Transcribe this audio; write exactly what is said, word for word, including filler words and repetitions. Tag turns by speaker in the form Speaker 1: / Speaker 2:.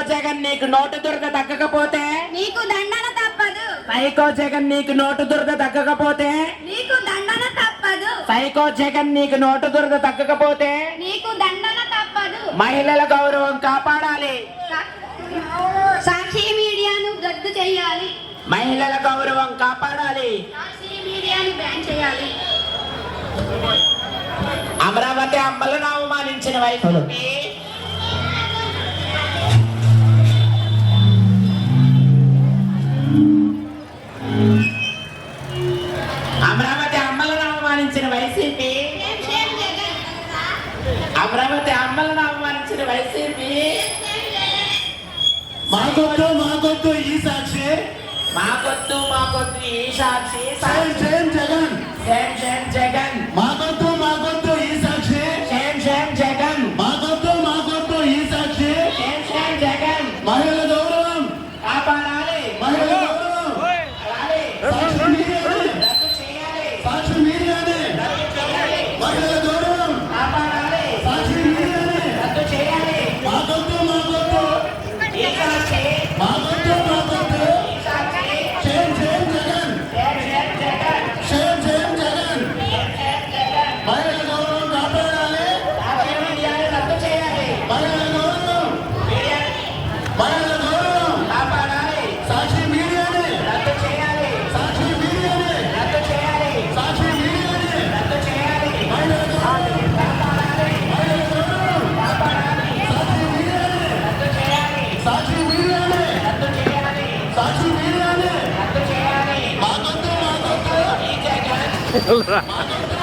Speaker 1: జగన్ నీకు నోటు దురద తగ్గకపోతే
Speaker 2: నీకు దండన తప్పదు.
Speaker 1: సైకో జగన్ నీకు నోటు దురద తగ్గకపోతే
Speaker 2: నీకు దండన తప్పదు.
Speaker 1: సైకో జగన్ నీకు నోటు దురద తగ్గకపోతే
Speaker 2: నీకు దండన తప్పదు.
Speaker 1: మహిళల గౌరవం కాపాడాలి.
Speaker 2: సాక్షి మీడియాను రద్దు చేయాలి.
Speaker 1: మహిళల గౌరవం కాపాడాలి.
Speaker 2: సాక్షి మీడియాను బ్యాన్ చేయాలి.
Speaker 1: అమరావతి అమ్మలను అవమానించిన వైసీపీ అమరావతి అమ్మలను అవమానించిన వైసీపీ అమరావతి అమ్మలను అవమానించిన వైసీపీ
Speaker 3: మాకొద్దు మాకొద్దు ఈ సాక్షి,
Speaker 1: మాకొద్దు మాకొద్దు ఈ Sakshi,
Speaker 3: shame shame Jagan,
Speaker 1: shame shame Jagan,
Speaker 3: మాకొద్దు మాకొద్దు ఈ సాక్షి,
Speaker 1: సేమ్ సేమ్ జగన్,
Speaker 3: మాకొద్దు మాకొద్దు ఈ సాక్షి,
Speaker 1: సేమ్ సేమ్ జగన్.
Speaker 3: మహిళల గౌరవం
Speaker 1: కాపాడాలి.
Speaker 3: మహిళల గౌరవం
Speaker 1: కాపాడాలి.
Speaker 3: సాక్షి మీడియానే
Speaker 1: రద్దు చేయాలి.
Speaker 3: సాక్షి మీడియానే
Speaker 1: రద్దు చేయాలి.
Speaker 3: మహిళల గౌరవం
Speaker 1: కాపాడాలి.
Speaker 3: సాక్షి మీడియానే
Speaker 1: రద్దు చేయాలి.
Speaker 3: మాకొద్దు మాకొద్దు
Speaker 1: ఈ సాక్షి,
Speaker 3: మాకొద్దు మాకొద్దు
Speaker 1: ఈ Sakshi,
Speaker 3: shame shame Jagan,
Speaker 1: shame shame Jagan,
Speaker 3: shame shame Jagan,
Speaker 1: shame shame Jagan.
Speaker 3: మహిళల గౌరవం కాపాడాలి.
Speaker 1: సాక్షి మీడియాని రద్దు చేయాలి.
Speaker 3: మహిళల గౌరవం
Speaker 1: మీడియాని
Speaker 3: మహిళల గౌరవం
Speaker 1: కాపాడాలి.
Speaker 3: సాక్షి మీడియానే
Speaker 1: రద్దు చేయాలి.
Speaker 3: సాక్షి మీడియానే
Speaker 1: రద్దు చేయాలి.
Speaker 3: సాక్షి మీడియానే
Speaker 1: రద్దు చేయాలి.
Speaker 3: మహిళల గౌరవం
Speaker 1: కాపాడాలి.
Speaker 3: మహిళల గౌరవం
Speaker 1: కాపాడాలి.
Speaker 3: సాక్షి మీడియానే
Speaker 1: రద్దు చేయాలి.
Speaker 3: సాక్షి మీడియానే
Speaker 1: రద్దు చేయాలి.
Speaker 3: సాక్షి మీడియానే
Speaker 1: రద్దు చేయాలి.
Speaker 3: మాకొద్దు మాకొద్దు
Speaker 1: ఈ జగన్
Speaker 3: మాకొద్దు